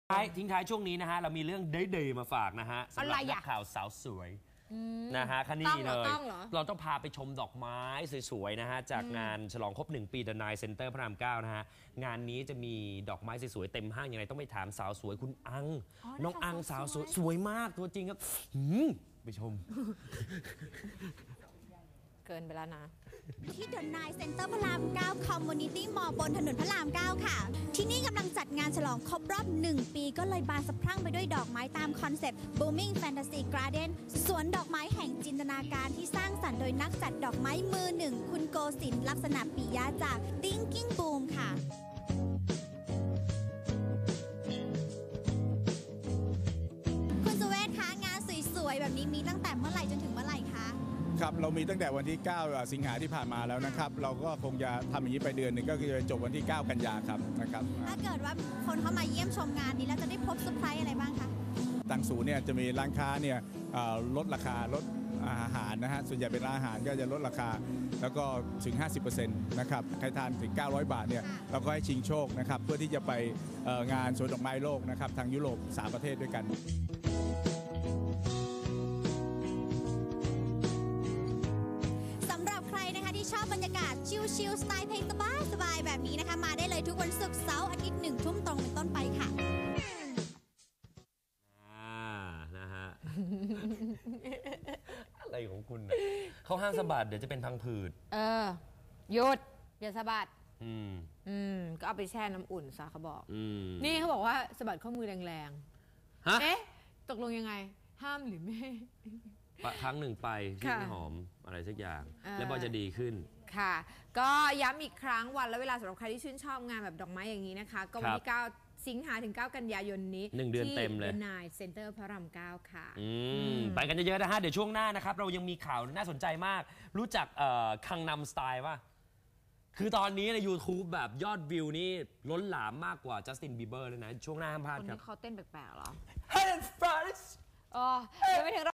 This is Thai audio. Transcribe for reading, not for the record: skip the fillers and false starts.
ทิ้งท้ายช่วงนี้นะฮะเรามีเรื่องเดย์มาฝากนะฮะสำหรับนักข่าวสาวสวยนะฮะคันนี้เลยเราต้องพาไปชมดอกไม้สวยๆนะฮะจากงานฉลองครบ1 ปี The Nile Center พระราม 9นะฮะงานนี้จะมีดอกไม้สวยๆเต็มห้างยังไงต้องไปถามสาวสวยคุณอังน้องอังสาวสวยสวยมากตัวจริงครับไปชมเกินไปแล้วนะที่ The Nile Center พระราม 9 Community Mall บนถนนพระราม 9 ค่ะที่นี่กำลังจัดงานฉลองครบรอบ1 ปีก็เลยบานสะพรั่งไปด้วยดอกไม้ตามคอนเซ็ปต์ Booming Fantasy Garden สวนดอกไม้แห่งจินตนาการที่สร้างสรรค์โดยนักจัดดอกไม้มือหนึ่งคุณโกศินทร์ลักษณะปิยะจาก Thinking Boom ค่ะคุณสุเวชคะงานสวยๆแบบนี้มีตั้งแต่เมื่อไหร่จนถึงเมื่อไหร่คะครับเรามีตั้งแต่วันที่ 9 สิงหาที่ผ่านมาแล้วนะครับเราก็คงจะทำอย่างนี้ไปเดือนหนึ่งก็คือจะจบวันที่ 9 กันยาครับนะครับถ้าเกิดว่าคนเข้ามาเยี่ยมชมงานนี้แล้วจะได้พบเซอร์ไพรส์อะไรบ้างคะทางศูนย์เนี่ยจะมีร้านค้าเนี่ยลดราคาลดอาหารนะฮะส่วนใหญ่เป็นร้านอาหารก็จะลดราคาแล้วก็ถึง 50% นะครับใครทานถึง 900 บาทเนี่ยเราก็ให้ชิงโชคนะครับเพื่อที่จะไปงานสวนดอกไม้โลกนะครับทางยุโรป3 ประเทศด้วยกันชอบบรรยากาศชิลๆสไตล์เพลงสบายๆแบบนี้นะคะมาได้เลยทุกวันศุกร์เสาร์อาทิตย์1 ทุ่มตรงเป็นต้นไปค่ะนะฮะ อะไรของคุณเขาห้ามสะบัดเดี๋ยวจะเป็นพังผืดหยุดอย่าสะบัดก็เอาไปแช่น้ำอุ่นซะเขาบอกนี่เขาบอกว่าสะบัดข้อมือแรงๆเอ๊ะตกลงยังไงห้ามหรือไม่ครั้งหนึ่งไปที่หอมอะไรสักอย่างแล้วพอจะดีขึ้นค่ะก็ย้ำอีกครั้งวันและเวลาสำหรับใครที่ชื่นชอบงานแบบดอกไม้อย่างนี้นะคะก็วันที่9 สิงหาถึง 9 กันยายนนี้ 1 เดือนเต็มเลยที่ The Nile Center พระราม 9 ค่ะไปกันเยอะๆนะฮะเดี๋ยวช่วงหน้านะครับเรายังมีข่าวน่าสนใจมากรู้จักคังนำสไตล์ป่ะคือตอนนี้ใน YouTube แบบยอดวิวนี่ล้นหลามมากกว่าจัสตินบีเบอร์เลยนะช่วงหน้าห้ามพลาดครับคนนี้เขาเต้นแปลกๆเหรอ Hey Fridays ยังไม่ถึง